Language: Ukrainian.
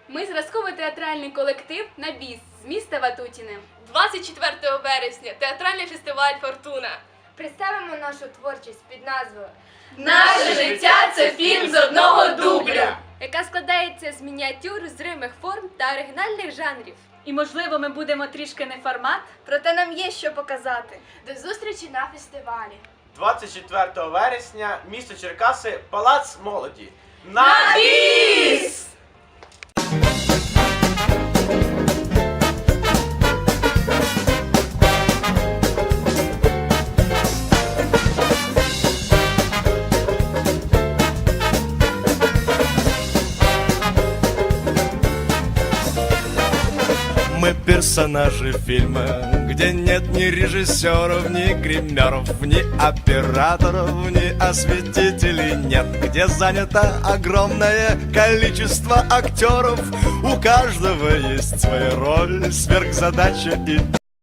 Ми зразковий театральний колектив «На біс» з міста Ватутіне. 24 вересня театральний фестиваль «Фортуна». Представимо нашу творчість під назвою Наше життя – це фільм з одного дубля, яка складається з мініатюр, зримих форм та оригінальних жанрів. І, можливо, ми будемо трішки не формат. проте нам є що показати. До зустрічі на фестивалі. 24 вересня, місто Черкаси, Палац молоді. На біс! Мы персонажи фильма, где нет ни режиссеров, ни гримеров, ни операторов, ни осветителей нет, где занято огромное количество актеров. У каждого есть своя роль, сверхзадача и